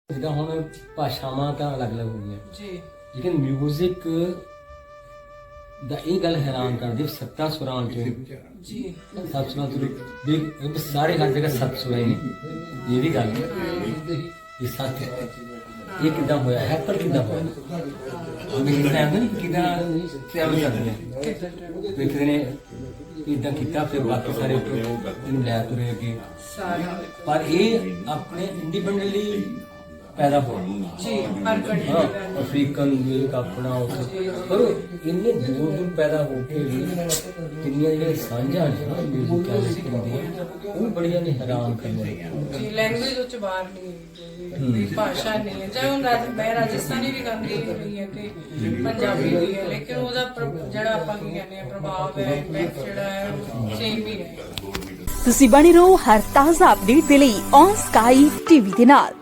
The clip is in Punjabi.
ਜਿੱਦਾਂ ਹੁਣ ਭਾਸ਼ਾਵਾਂ ਤਾਂ ਅਲੱਗ-ਅਲੱਗ ਹੋ ਗਈਆਂ ਜੀ, ਲੇਕਿਨ ਮਿਊਜ਼ਿਕ ਦਾ ਇਹ ਗੱਲ ਹੈਰਾਨ ਕਰਦੀ 7 ਸੁਰਾਂ ਚੋਂ ਜੀ, 7 ਸੁਰਾਂ ਤੋਂ ਵੀ ਸਾਰੇ ਹਰ ਜਗ੍ਹਾ 7 ਸੁਰਾਂ ਹੀ ਨੇ। ਇਹ ਵੀ ਗੱਲ ਇਹ ਸੱਚ ਇਹ ਕਿੱਦਾਂ ਹੋਇਆ ਹੈ, ਪਰ ਕਿੱਦਾਂ ਹੋਇਆ ਮੈਨੂੰ ਸਮਝ ਨਹੀਂ ਕਿੱਦਾਂ ਟਰੈਵਲ ਕਰਦੀ ਹੈ ਵੇਖਦੇ ਨੇ ਇਦਾਂ ਕੀਤਾ ਫਿਰ ਬਾਕੀ ਸਾਰੇ ਇਹਨੂੰ ਲੈ ਤੁਰੇ ਅੱਗੇ ਸਾਰਾ ਪਰ ਇਹ ਆਪਣੇ ਇੰਡੀਪੈਂਡੈਂਟਲੀ ਪੈਦਾ ਹੋਇਆ ਜੀ, ਹਰ ਕੰਟਰੀ ਹਾਂ ਦਾ ਅਫਰੀਕਨ ਮਿਊਜ਼ਿਕ ਆਪਣਾ ਉੱਥੇ ਪਰ ਇੰਨੇ ਦੂਰ ਦੂਰ ਪੈਦਾ ਹੋ ਕੇ ਵੀ ਕਿੰਨੀਆਂ ਜਿਹੜੀਆਂ ਸਾਂਝਾਂ ਨੇ ਮਿਊਜ਼ਿਕਾਂ ਦੀਆਂ ਉਹ ਬੜੀਆਂ ਨੇ ਹੈਰਾਨ ਕਰਨ ਵਾਲੀਆਂ ਜੀ, ਲੈਂਗੁਏਜ ਉੱਚ ਬਾਹਰ ਨਹੀਂ ਭਾਸ਼ਾ ਨਹੀਂ ਹੈ। ਚਾਹੇ ਹੁਣ ਮੈਂ ਰਾਜਸਥਾਨੀ ਵੀ ਗਾਉਂਦੀ ਰਹੀ ਹੈ ਤੇ ਪੰਜਾਬੀ ਵੀ ਹੈ, ਲੇਕਿਨ ਉਹਦਾ ਜਿਹੜਾ ਆਪਾਂ ਕੀ ਕਹਿੰਦੇ ਆ ਪ੍ਰਭਾਵ ਹੈ, ਇੰਪੈਕਟ ਜਿਹੜਾ ਹੈ ਉਹ ਸੇਮ ਹੀ ਹੈ। ਤੁਸੀਂ ਬਣੇ ਰਹੋ ਹਰ ਤਾਜ਼ਾ ਅਪਡੇਟ ਦੇ ਲਈ ਔਨ ਸਕਾਈ ਟੀਵੀ ਦੇ ਨਾਲ।